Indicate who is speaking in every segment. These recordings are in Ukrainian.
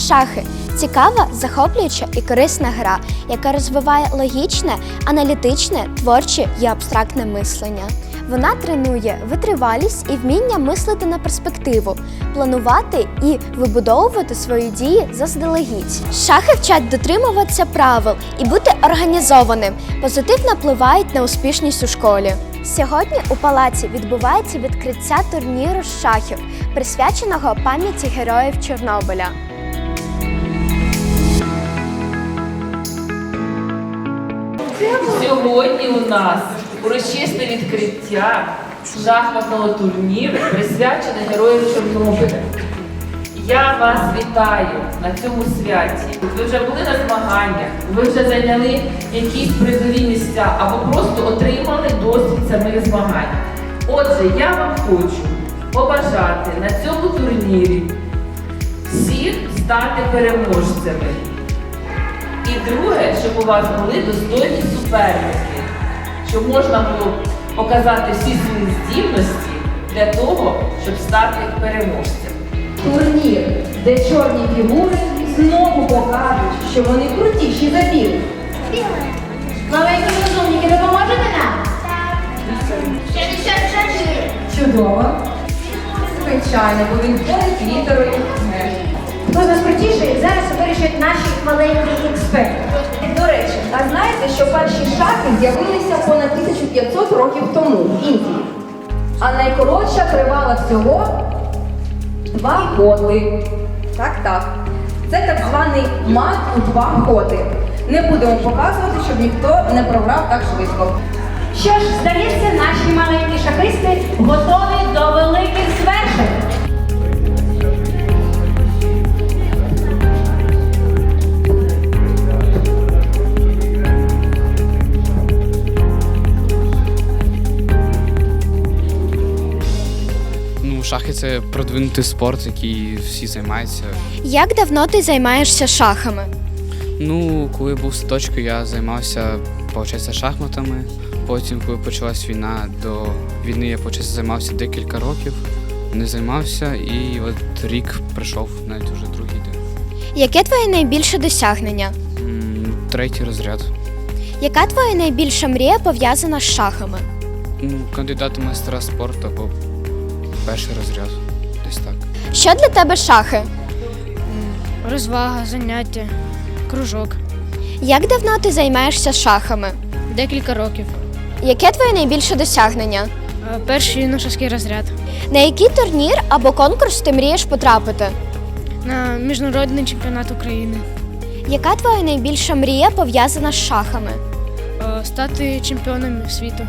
Speaker 1: Шахи – цікава, захоплююча і корисна гра, яка розвиває логічне, аналітичне, творче і абстрактне мислення. Вона тренує витривалість і вміння мислити на перспективу, планувати і вибудовувати свої дії заздалегідь. Шахи вчать дотримуватися правил і бути організованим, позитивно впливають на успішність у школі. Сьогодні у палаці відбувається відкриття турніру з шахів, присвяченого пам'яті героїв Чорнобиля.
Speaker 2: Сьогодні у нас урочисте відкриття шахматного турніру, присвячене героям Чорнобиля. Я вас вітаю на цьому святі. Ви вже були на змаганнях, ви вже зайняли якісь призові місця або просто отримали досвід самих змагань. Отже, я вам хочу побажати на цьому турнірі всіх стати переможцями. І друге, щоб у вас були достойні суперники, щоб можна було показати всі свої здібності для того, щоб стати переможцем.
Speaker 3: Турнір, де чорні фігури знову покажуть, що вони крутіші за білих.
Speaker 4: Маленькі розумники, допоможете нам?
Speaker 3: Чудово. Звичайно, бо він ходить літерою Г.
Speaker 4: Хто з нас крутіший, зараз вирішать наші маленькі експерти.
Speaker 3: До речі, а знаєте, що перші шахи з'явилися понад 1500 років тому в Індії? А найкоротша тривала всього 2 ходи. Так. Це так званий мат у 2 ходи. Не будемо показувати, щоб ніхто не програв так швидко.
Speaker 4: Що ж, здається, наші маленькі шахисти готові до великих звершень.
Speaker 5: Шахи – це продвинутий спорт, який всі займаються.
Speaker 1: Як давно ти займаєшся шахами?
Speaker 5: Коли був в садочку, я займався, шахматами. Потім, коли почалась війна, до війни я займався декілька років. Не займався і от рік прийшов, навіть вже другий день.
Speaker 1: Яке твоє найбільше досягнення?
Speaker 5: 3-й розряд.
Speaker 1: Яка твоя найбільша мрія пов'язана з шахами?
Speaker 5: Кандидат у майстра спорту або 1-й розряд, десь так.
Speaker 1: Що для тебе шахи?
Speaker 6: Розвага, заняття, кружок.
Speaker 1: Як давно ти займаєшся шахами?
Speaker 6: Декілька років.
Speaker 1: Яке твоє найбільше досягнення?
Speaker 6: Перший юношеський розряд.
Speaker 1: На який турнір або конкурс ти мрієш потрапити?
Speaker 6: На міжнародний чемпіонат України.
Speaker 1: Яка твоя найбільша мрія пов'язана з шахами?
Speaker 6: Стати чемпіоном світу.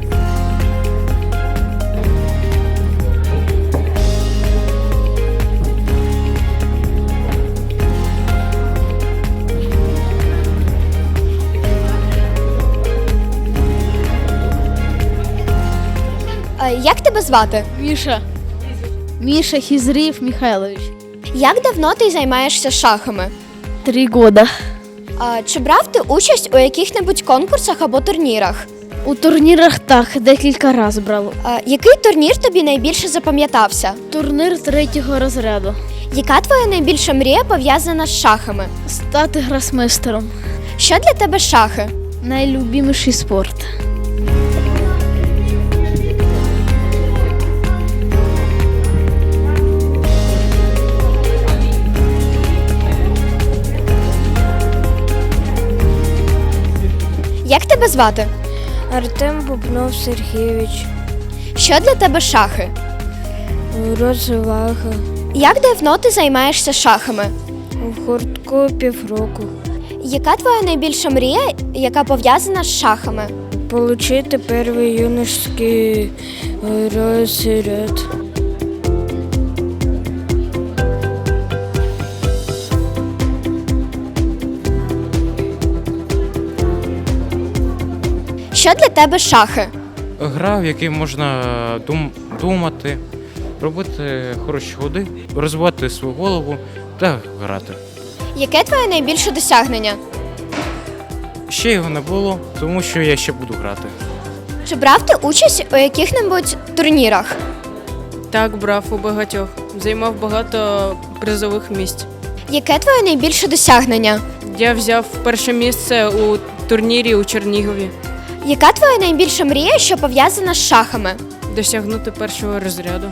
Speaker 1: Як тебе звати?
Speaker 6: Міша Хізрів Михайлович.
Speaker 1: Як давно ти займаєшся шахами?
Speaker 6: 3 года.
Speaker 1: Чи брав ти участь у яких-небудь конкурсах або турнірах?
Speaker 6: У турнірах так, декілька разів брав.
Speaker 1: Який турнір тобі найбільше запам'ятався?
Speaker 6: Турнір 3-го розряду.
Speaker 1: Яка твоя найбільша мрія пов'язана з шахами?
Speaker 6: Стати гросмейстером.
Speaker 1: Що для тебе шахи?
Speaker 6: Найлюбіміший спорт.
Speaker 1: Як тебе звати?
Speaker 7: Артем Бубнов Сергійович.
Speaker 1: Що для тебе шахи?
Speaker 7: Розвага.
Speaker 1: Як давно ти займаєшся шахами?
Speaker 7: В гуртку півроку.
Speaker 1: Яка твоя найбільша мрія, яка пов'язана з шахами?
Speaker 7: Получити перший юношеський розряд.
Speaker 1: Що для тебе шахи?
Speaker 8: Гра, в якій можна думати, робити хороші ходи, розвивати свою голову та грати.
Speaker 1: Яке твоє найбільше досягнення?
Speaker 8: Ще його не було, тому що я ще буду грати.
Speaker 1: Чи брав ти участь у яких-небудь турнірах?
Speaker 9: Так, брав у багатьох. Займав багато призових місць.
Speaker 1: Яке твоє найбільше досягнення?
Speaker 9: Я взяв перше місце у турнірі у Чернігові.
Speaker 1: Яка твоя найбільша мрія, що пов'язана з шахами?
Speaker 9: Досягнути першого розряду.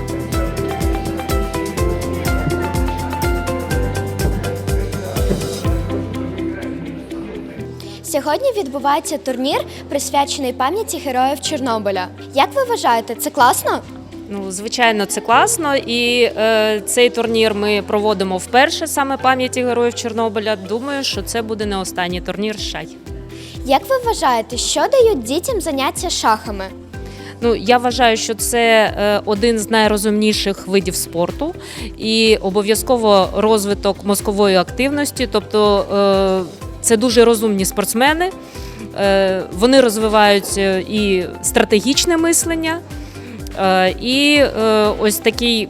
Speaker 1: Сьогодні відбувається турнір, присвячений пам'яті героїв Чорнобиля. Як ви вважаєте, це класно?
Speaker 10: Ну, звичайно, це класно, і цей турнір ми проводимо вперше, саме пам'яті героїв Чорнобиля. Думаю, що це буде не останній турнір з шахів.
Speaker 1: Як ви вважаєте, що дають дітям заняття шахами?
Speaker 10: Ну, я вважаю, що це один з найрозумніших видів спорту і обов'язково розвиток мозкової активності, тобто це дуже розумні спортсмени, вони розвивають і стратегічне мислення, і ось такий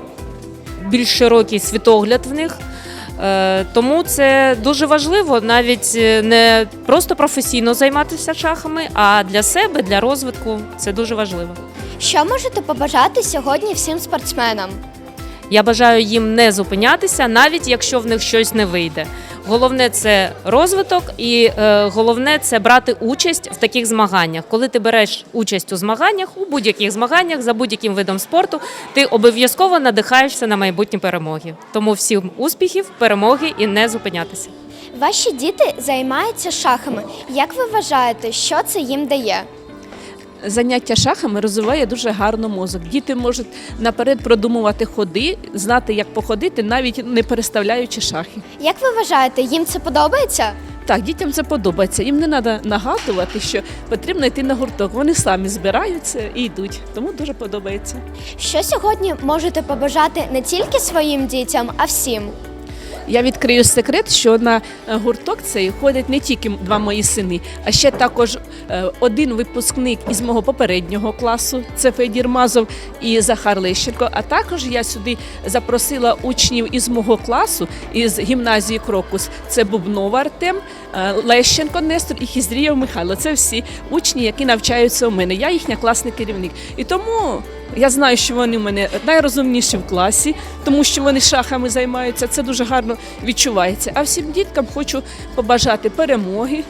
Speaker 10: більш широкий світогляд в них. Тому це дуже важливо навіть не просто професійно займатися шахами, а для себе, для розвитку це дуже важливо.
Speaker 1: Що можете побажати сьогодні всім спортсменам?
Speaker 10: Я бажаю їм не зупинятися, навіть якщо в них щось не вийде. Головне – це розвиток і головне – це брати участь в таких змаганнях. Коли ти береш участь у змаганнях, у будь-яких змаганнях, за будь-яким видом спорту, ти обов'язково надихаєшся на майбутні перемоги. Тому всім успіхів, перемоги і не зупинятися.
Speaker 1: Ваші діти займаються шахами. Як ви вважаєте, що це їм дає?
Speaker 11: Заняття шахами розвиває дуже гарно мозок. Діти можуть наперед продумувати ходи, знати, як походити, навіть не переставляючи шахи.
Speaker 1: Як ви вважаєте, їм це подобається?
Speaker 11: Так, дітям це подобається. Їм не треба нагадувати, що потрібно йти на гурток. Вони самі збираються і йдуть. Тому дуже подобається.
Speaker 1: Що сьогодні можете побажати не тільки своїм дітям, а всім?
Speaker 11: Я відкрию секрет, що на гурток цей ходять не тільки два мої сини, а ще також один випускник із мого попереднього класу, це Федір Мазов і Захар Лещенко. А також я сюди запросила учнів із мого класу, із гімназії Крокус. Це Бубнов Артем, Лещенко Нестор і Хізрієв Михайло. Це всі учні, які навчаються у мене. Я їхня класний керівник. І тому я знаю, що вони в мене найрозумніші в класі, тому що вони шахами займаються. Це дуже гарно відчувається. А всім діткам хочу побажати перемоги.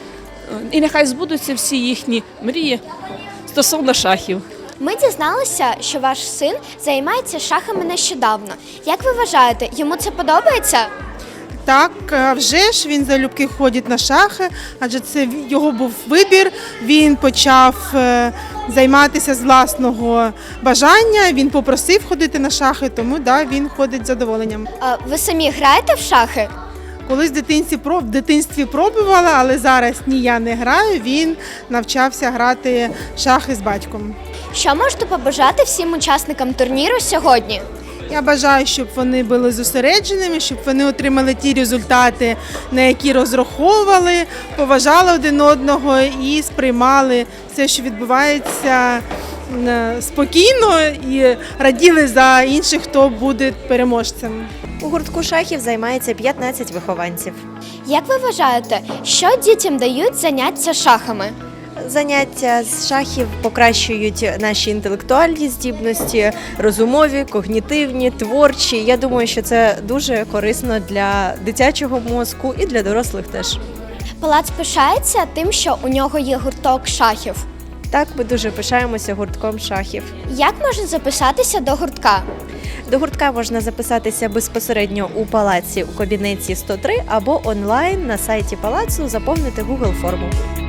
Speaker 11: І нехай збудуться всі їхні мрії стосовно шахів.
Speaker 1: Ми дізналися, що ваш син займається шахами нещодавно. Як ви вважаєте, йому це подобається?
Speaker 12: Так, вже ж він залюбки ходить на шахи, адже це його був вибір. Він почав займатися з власного бажання, він попросив ходити на шахи, тому да, він ходить з задоволенням.
Speaker 1: А ви самі граєте в шахи?
Speaker 12: Колись в дитинстві пробувала, але зараз ні, я не граю, він навчався грати в шахи з батьком.
Speaker 1: Що можете побажати всім учасникам турніру сьогодні?
Speaker 12: Я бажаю, щоб вони були зосередженими, щоб вони отримали ті результати, на які розраховували, поважали один одного і сприймали все, що відбувається, спокійно і раділи за інших, хто буде переможцем.
Speaker 13: У гуртку шахів займається 15 вихованців.
Speaker 1: Як ви вважаєте, що дітям дають заняття шахами?
Speaker 13: Заняття з шахів покращують наші інтелектуальні здібності, розумові, когнітивні, творчі. Я думаю, що це дуже корисно для дитячого мозку і для дорослих теж.
Speaker 1: Палац пишається тим, що у нього є гурток шахів.
Speaker 13: Так, ми дуже пишаємося гуртком шахів.
Speaker 1: Як можна записатися до гуртка?
Speaker 13: До гуртка можна записатися безпосередньо у палаці у кабінеті 103 або онлайн на сайті палацу заповнити Google форму.